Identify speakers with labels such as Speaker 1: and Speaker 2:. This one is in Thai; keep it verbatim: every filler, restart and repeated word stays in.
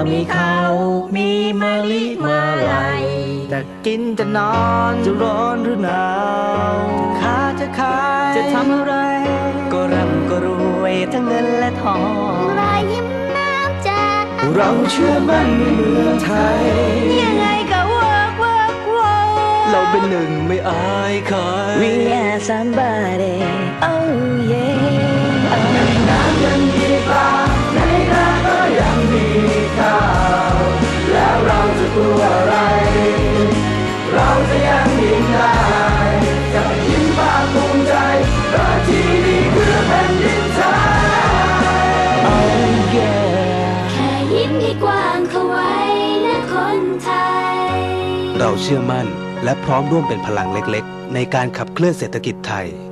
Speaker 1: มีเขามีมะลิมาลัยจะกินจะนอนจะร้อนหรือหนาวจะค้าจะขายจะทำอะไรก็ร่ำก็รวยทั้งเงินและทอง
Speaker 2: รอยยิ้มน้ำใจ
Speaker 1: เราเชื่อมั่นในเมืองไทย
Speaker 2: ยังไงก็ work work work
Speaker 1: เราเป็นหนึ่งไม่อายใคร
Speaker 2: We are somebody oh yeah
Speaker 1: น้ำยังมีปลาในนาก็ยังมีข้าวแล้วเราจะกลัวอะไรเราจะยังยิ้มได้จะยิ้มภาคภูมิใจเพราะที่นี่คือแผ่นดินไทย
Speaker 2: oh yeah แค่ยิ้มให้กว้างเข้าไว้นะคนไทย
Speaker 3: เราเชื่อมั่นและพร้อมร่วมเป็นพลังเล็กๆในการขับเคลื่อนเศรษฐกิจไทย